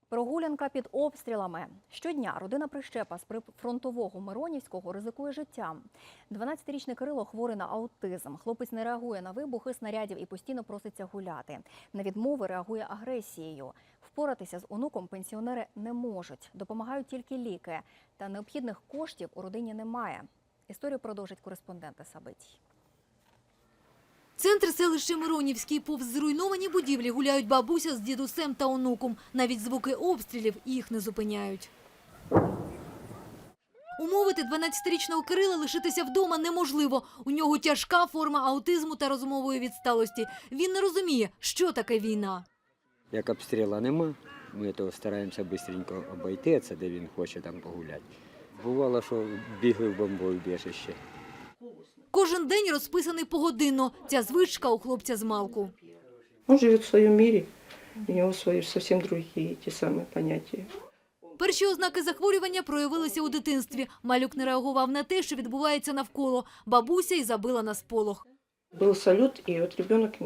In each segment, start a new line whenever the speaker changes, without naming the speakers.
Прогулянка під обстрілами. Щодня родина Прищепа з прифронтового Миронівського ризикує життям. 12-річний Кирило хворий на аутизм. Хлопець не реагує на вибухи снарядів і постійно проситься гуляти. На відмови реагує агресією. Впоратися з онуком пенсіонери не можуть. Допомагають тільки ліки. Та необхідних коштів у родині немає. Історію продовжить кореспонденти Сабитій.
Центр селища Миронівський. Повз зруйновані будівлі гуляють бабуся з дідусем та онуком. Навіть звуки обстрілів їх не зупиняють. Умовити 12-річного Кирила лишитися вдома неможливо. У нього тяжка форма аутизму та розумової відсталості. Він не розуміє, що таке війна.
Як обстрілу нема, ми то стараємося швидко обійти, це де він хоче там погуляти. Бувало, що бігли в бомбоубіжище.
Кожен день розписаний погодинно. Ця звичка у хлопця змалку.
Он живет в своем мире, у него свои совсем другие те самые понятия.
Перші ознаки захворювання проявилися у дитинстві. Малюк не реагував на те, що відбувається навколо. Бабуся й забила на сполох.
Был салют, и вот ребенок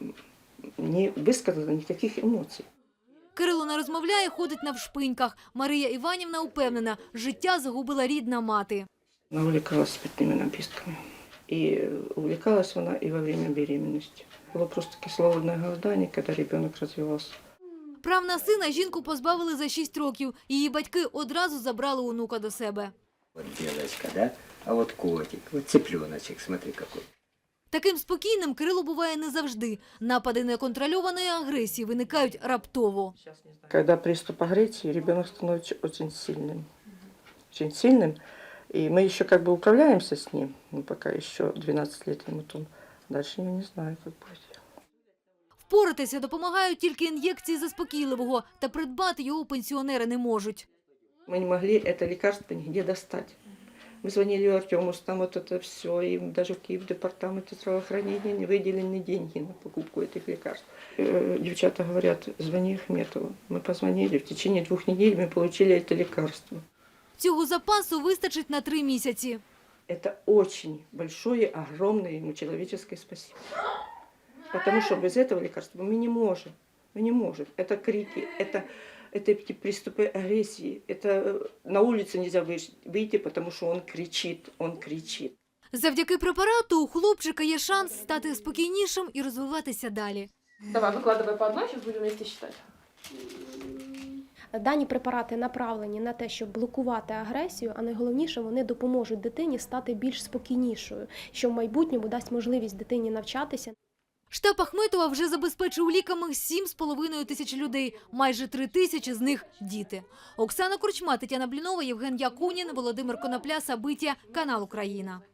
не высказал никаких эмоций.
Кирило не розмовляє, ходить навшпиньках. Марія Іванівна упевнена, життя загубила рідна мати.
Она увлекалась спиртными напитками. И увлекалась она и во время беременности. Было просто кислородное голодание, когда ребенок развивался.
Прав на сина жінку позбавили за 6 років. Її батьки одразу забрали онука до себе.
От дівчинка, да? А от котик, от цыпленочек, смотри какой.
Таким спокійним Кирило буває не завжди. Напади неконтрольованої агресії виникають раптово.
Когда приступ агрессии, ребенок становится очень сильным. Очень сильным. И мы еще как бы управляемся с ним, пока еще 12 лет ему, то дальше я не знаю, как будет.
Впоратися допомагають тільки ін'єкції заспокійливого, та придбати його пенсіонери не можуть.
Мы не могли это лекарство нигде достать. Мы звонили Артему, там вот это все, и даже в Киев-департаменте здравоохранения не выделены деньги на покупку этих лекарств. Девчата говорят, звони Ахметову. Мы позвонили, в течение 2 недель мы получили это лекарство.
Цього запасу вистачить на 3 місяці.
Это очень большое, огромное ему человеческое спасибо. Потому что без этого лекарства мы не можем. Мы не можем. Это крики, это эти приступы агрессии. Это на улицу нельзя выйти, потому что он кричит, он кричит.
Завдяки препарату у хлопчика є шанс стати спокійнішим і розвиватися далі.
Давай, выкладывай по одной, сейчас будем вместе считать.
Дані препарати направлені на те, щоб блокувати агресію, а найголовніше, вони допоможуть дитині стати більш спокійнішою, що в майбутньому дасть можливість дитині навчатися.
Штаб Ахметова вже забезпечив ліками 7,5 тисяч людей. Майже 3 тисячі з них – діти. Оксана Корчма, Тетяна Блінова, Євген Якунін, Володимир Конопля, Сабиття, канал «Україна».